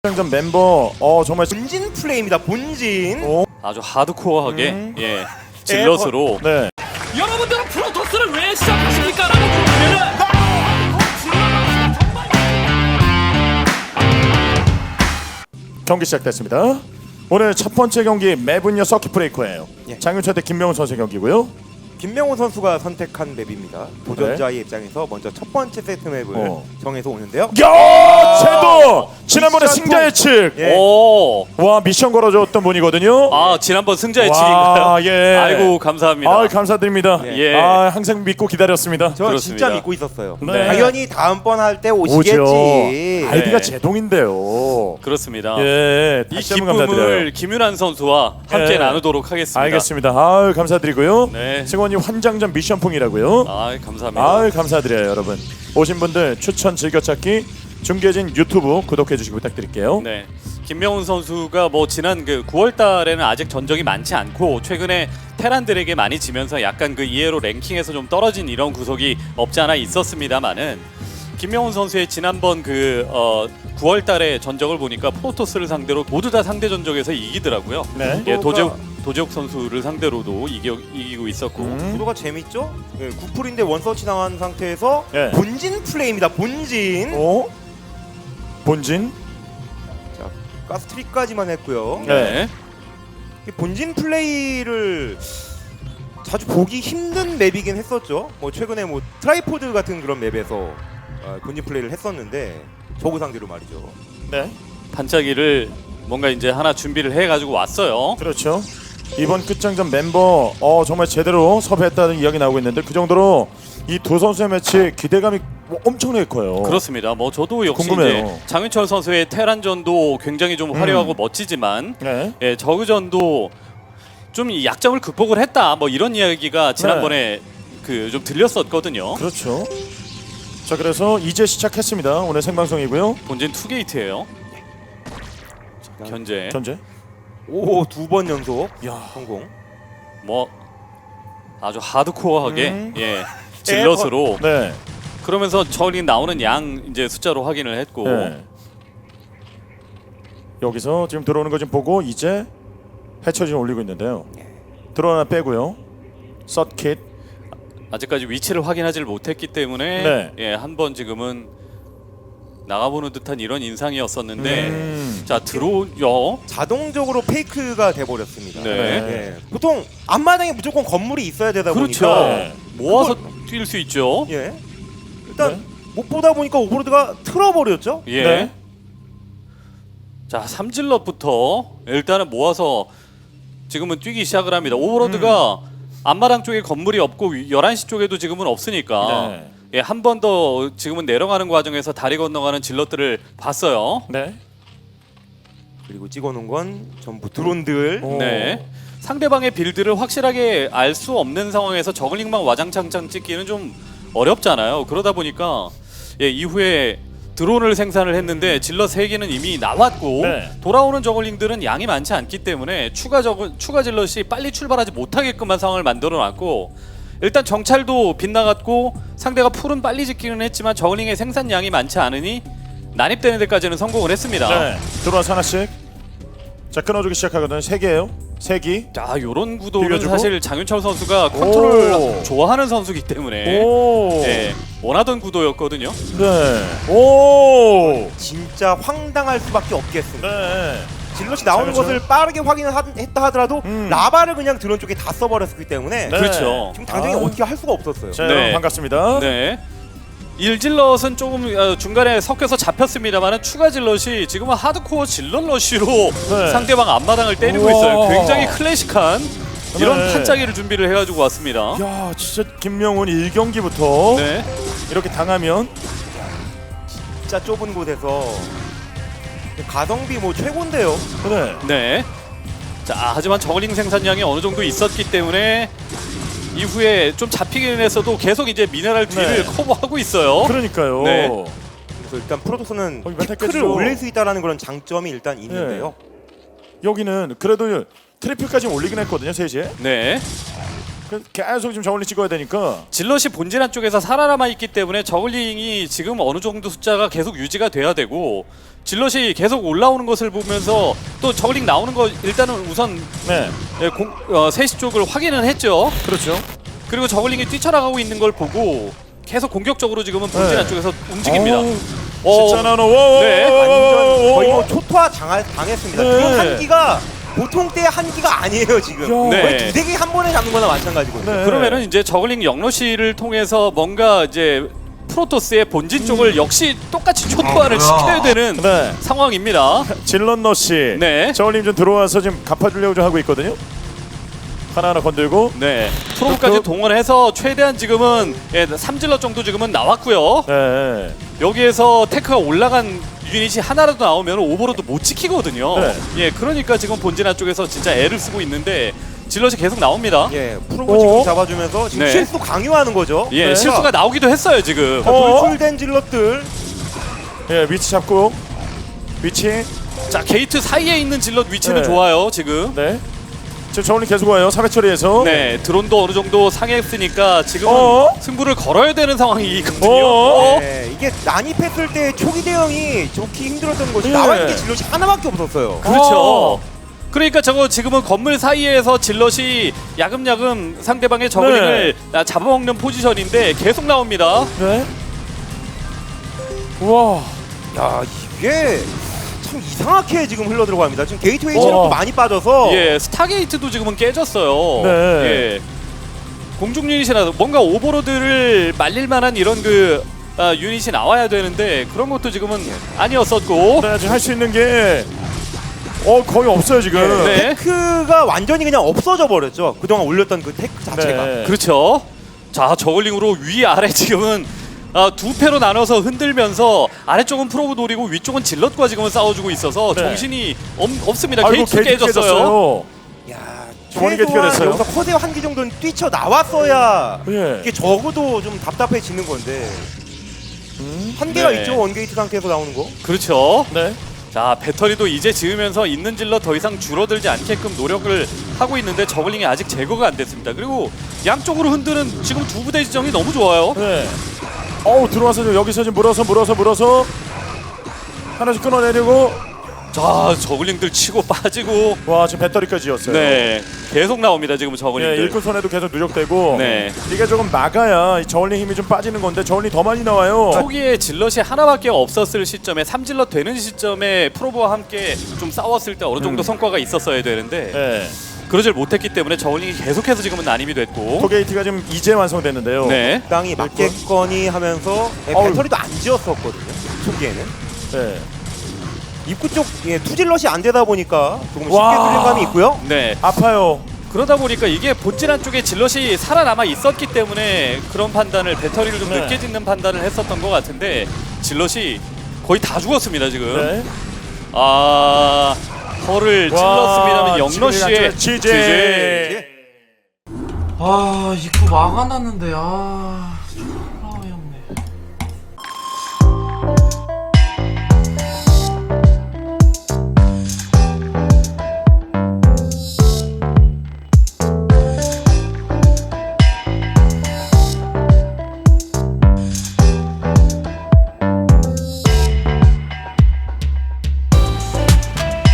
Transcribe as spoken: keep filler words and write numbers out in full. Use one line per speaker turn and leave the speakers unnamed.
전 멤버 어 정말
본진 플레이입니다. 본진.
오.
아주 하드코어하게
음.
예 질럿으로
네.
여러분들은 프로토스를 왜 시작하십니까? 라고 물으면은
경기 시작됐습니다. 오늘 첫 번째 경기 매분녀 서킷 브레이커예요.
예.
장윤철 대 김명훈 선수의 경기고요.
김명호 선수가 선택한 맵입니다. 도전자의 입장에서 먼저 첫 번째 세트 맵을
어.
정해서 오는데요.
야, 제도 지난번에
미션
승자 예측.
예.
오.
와 미션 걸어줬던 분이거든요.
아 지난번 승자
와,
예측인가요?
예.
아이고 감사합니다.
아 감사드립니다.
예.
아 항상 믿고 기다렸습니다.
저
그렇습니다.
진짜 믿고 있었어요.
네.
당연히 다음번 할 때
오죠.
오시겠지.
아이디가
네.
제동인데요.
그렇습니다.
예,
이
다시 한번 감사드려요.
기쁨을 김윤환 선수와 함께
예.
나누도록 하겠습니다.
알겠습니다. 아유 감사드리고요.
네.
승원이 환장전 미션풍이라고요.
아 감사합니다.
아유 감사드려요 여러분. 오신 분들 추천 즐겨찾기 중계진 유튜브 구독해 주시기 부탁드릴게요.
네. 김명훈 선수가 뭐 지난 그 구월 달에는 아직 전적이 많지 않고 최근에 테란들에게 많이 지면서 약간 그 이해로 랭킹에서 좀 떨어진 이런 구석이 없지 않아 있었습니다만은 김명훈 선수의 지난번 그 어 구월 달에 전적을 보니까 프로토스를 상대로 모두 다 상대 전적에서 이기더라고요.
네.
예, 도재욱 도재욱 선수를 상대로도 이겨, 이기고 있었고
음.
구도가 재밌죠? 예, 구풀인데 원서치 당한 상태에서
예.
본진 플레이입니다. 본진.
오 본진.
자, 가스트리까지만 했고요.
네.
이 본진 플레이를 자주 보기 힘든 맵이긴 했었죠. 뭐 최근에 뭐 트라이포드 같은 그런 맵에서 어, 본진 플레이를 했었는데 저그 상대로 말이죠.
네.
반짝이를 뭔가 이제 하나 준비를 해가지고 왔어요.
그렇죠. 이번 끝장전 멤버 어 정말 제대로 섭외했다는 이야기 나오고 있는데 그 정도로 이 두 선수의 매치 기대감이 뭐 엄청나게 커요.
그렇습니다. 뭐 저도 역시
궁금해요.
이제 장윤철 선수의 테란전도 굉장히 좀 화려하고
음.
멋지지만
네.
예, 저그전도 좀 이 약점을 극복을 했다. 뭐 이런 이야기가 지난번에 그 좀 들렸었거든요.
그렇죠. 자 그래서 이제 시작했습니다. 오늘 생방송이고요.
본진 투게이트예요. 현재
현재.
오, 두 번 연속
야.
성공.
뭐 아주 하드코어하게
음.
예, 질럿으로
네.
그러면서 저리 나오는 양 이제 숫자로 확인을 했고
네. 여기서 지금 들어오는 거 좀 보고 이제 해처리 좀 올리고 있는데요. 들어오나 빼고요. 서킷.
아직까지 위치를 확인하지를 못했기 때문에
네.
예, 한번 지금은 나가보는 듯한 이런 인상이었었는데
음.
자 들어오요.
자동적으로 페이크가 돼버렸습니다.
네.
예. 보통 앞마당에 무조건 건물이 있어야 되다
그렇죠.
보니까
네.
모아서 뛸 수 있죠.
예. 일단
네.
못 보다 보니까 오버로드가 틀어버렸죠.
예.
네.
자 삼질럿부터 일단은 모아서 지금은 뛰기 시작을 합니다. 오버로드가
음.
앞마당 쪽에 건물이 없고 열한 시 쪽에도 지금은 없으니까
네.
예, 한 번 더 지금은 내려가는 과정에서 다리 건너가는 질럿들을 봤어요.
네.
그리고 찍어놓은 건 전부 드론들.
오.
네. 상대방의 빌드를 확실하게 알 수 없는 상황에서 저글링만 와장창창 찍기는 좀 어렵잖아요. 그러다 보니까 예, 이후에 드론을 생산을 했는데 질럿 세 개는 이미 나왔고
네.
돌아오는 저글링들은 양이 많지 않기 때문에 추가 저글 추가 질럿이 빨리 출발하지 못하게끔한 상황을 만들어 놨고 일단 정찰도 빗나갔고 상대가 풀은 빨리 짓기는 했지만 저글링의 생산량이 많지 않으니 난입되는 데까지는 성공을 했습니다.
네. 들어와서 하나씩. 자 끊어주기 시작하거든요. 세 개예요. 세 기.
자, 요런 구도는
비벼주고.
사실 장윤철 선수가 컨트롤
오.
좋아하는 선수이기 때문에
오.
예, 원하던 구도였거든요.
네. 오.
진짜 황당할 수밖에 없겠습니다.
네.
질럿이 나오는
그렇죠.
것을 빠르게 확인했다 하더라도
음.
라바를 그냥 드론 쪽에 다 써버렸기 때문에
네.
그렇죠.
지금 당장에
아.
어떻게 할 수가 없었어요.
자
네.
여러분 반갑습니다.
네. 일질럿은 조금 어, 중간에 섞여서 잡혔습니다만 추가 질럿이 지금은 하드코어 질럿 러쉬로
네.
상대방 앞마당을 때리고
우와.
있어요. 굉장히 클래식한 이런
네.
판짜기를 준비를 해가지고 왔습니다.
야 진짜 김명훈 일 경기부터
네.
이렇게 당하면
진짜 좁은 곳에서 가성비 뭐 최고인데요.
그래.
네. 자, 하지만 저글링 생산량이 어느 정도 있었기 때문에 이후에 좀 잡히긴 했어도 계속 이제 미네랄 뒤를
네.
커버하고 있어요.
그러니까요.
네.
그래서 일단 프로토스는
어, 이거
피크를
깼죠.
올릴 수 있다는 그런 장점이 일단 있는데요.
여기는 그래도 트리플까지 올리긴 했거든요. 세 시에.
네.
그래서 계속 지금 저울링 찍어야 되니까.
질럿이 본진 한쪽에서 살아남아 있기 때문에 저글링이 지금 어느 정도 숫자가 계속 유지가 돼야 되고 질럿이 계속 올라오는 것을 보면서 또 저글링 나오는 거 일단은 우선
네,
예, 공, 어, 세 시 쪽을 확인은 했죠.
그렇죠.
그리고 저글링이 뛰쳐나가고 있는 걸 보고 계속 공격적으로 지금은 본진
네.
한쪽에서 움직입니다.
어우,
어,
진짜 나노. 오,
네,
완전 거의 뭐 초토화 당하, 당했습니다.
네.
그런 한기가 보통 때의 한기가 아니에요 지금.
야.
네.
거의 두세 개 한 번에 잡는 거나 마찬가지거든요.
네.
그러면은 이제 저글링 영러시를 통해서 뭔가 이제 프로토스의 본진 쪽을 역시 똑같이 초토화를 시켜야 되는
네.
상황입니다.
질럿너 씨.
네.
저울링 좀 들어와서 지금 갚아주려고 좀 하고 있거든요. 하나하나 건들고.
네, 프로브까지
그-
동원해서 최대한 지금은 예, 삼질러 정도 지금은 나왔고요.
네.
여기에서 테크가 올라간 유닛이 하나라도 나오면 오버로드 못 지키거든요.
네.
예, 그러니까 지금 본진화 쪽에서 진짜 애를 쓰고 있는데 질럿이 계속 나옵니다.
예, 프로브
어?
지금 잡아주면서 지금
네.
실수 강요하는 거죠.
예,
네.
실수가 나오기도 했어요 지금.
어?
돌출된 질럿들.
예, 위치 잡고. 위치.
자, 게이트 사이에 있는 질럿 위치는
네.
좋아요 지금.
네. 지금 저울링 계속 와요. 사회 처리해서.
네, 드론도 어느 정도 상했으니까 지금은
어?
승부를 걸어야 되는 상황이거든요.
어?
어?
예, 이게 난입했을 때 초기 대응이 좋기 힘들었던 것이
예.
나와 있는 게 질럿이 하나밖에 없었어요.
그렇죠.
어.
그러니까 저거 지금은 건물 사이에서 질럿이 야금야금 상대방의 저글링을 아, 잡아먹는 포지션인데 계속 나옵니다.
네. 우와.
야, 이게 참 이상하게 지금 흘러 들어갑니다. 지금 게이트웨이
어.
체력도 많이 빠져서
예, 스타게이트도 지금은 깨졌어요.
네.
예. 공중 유닛이라도 뭔가 오버로드를 말릴 만한 이런 그 아, 유닛이 나와야 되는데 그런 것도 지금은 아니었었고.
네, 지금 할 수 있는 게 어, 거의 없어요, 지금.
네.
테크가 완전히 그냥 없어져 버렸죠. 그동안 올렸던 그 테크 자체가.
네.
그렇죠. 자, 저글링으로 위 아래 지금은 아, 두 패로 나눠서 흔들면서 아래쪽은 프로브 노리고 위쪽은 질럿과 지금은 싸워주고 있어서
네.
정신이 없, 없습니다.
아이고,
게이트
게이트
깨졌어요.
깨졌어요.
야,
원이 게이트가
최소한
됐어요.
여기서 커세 한 기 정도는 뛰쳐 나왔어야
예.
이게 적어도 좀 답답해지는 건데
음?
한 개가
네.
있죠. 원게이트 상태에서 나오는 거.
그렇죠.
네.
자, 배터리도 이제 지으면서 있는 질럿 더 이상 줄어들지 않게끔 노력을 하고 있는데 저글링이 아직 제거가 안 됐습니다. 그리고 양쪽으로 흔드는 지금 두 부대 지정이 너무 좋아요.
네. 어우, 들어와서 지금 여기서 지금 물어서 물어서 물어서 하나씩 끊어내려고.
자, 저글링들 치고 빠지고
와, 지금 배터리까지 였어요.
네, 계속 나옵니다. 지금
예,
저글링들.
일꾼 손에도 계속 누적되고.
네.
이게 조금 막아야 이 저울링 힘이 좀 빠지는 건데 저울링 더 많이 나와요.
초기에 질럿이 하나밖에 없었을 시점에 삼 질럿 되는 시점에 프로브와 함께 좀 싸웠을 때 어느 정도
음.
성과가 있었어야 되는데
예.
그러질 못했기 때문에 저글링이 계속해서 지금은 난입이 됐고.
토게이트가 지금 이제 완성됐는데요.
네.
땅이 맞겠거니 하면서 예,
어우.
배터리도 안 지었었거든요. 초기에는.
네.
입구 쪽 예, 투질럿이 안 되다 보니까 조금 쉽게
와.
뚫린 감이 있고요.
네.
아파요.
그러다 보니까 이게 본질 한쪽에 질럿이 살아남아 있었기 때문에 그런 판단을 배터리를 좀
네.
늦게 짓는 판단을 했었던 것 같은데 질럿이 거의 다 죽었습니다 지금.
네.
아 허를 찔렀습니다만 영러시의
지제.
아 입구 막아놨는데 아,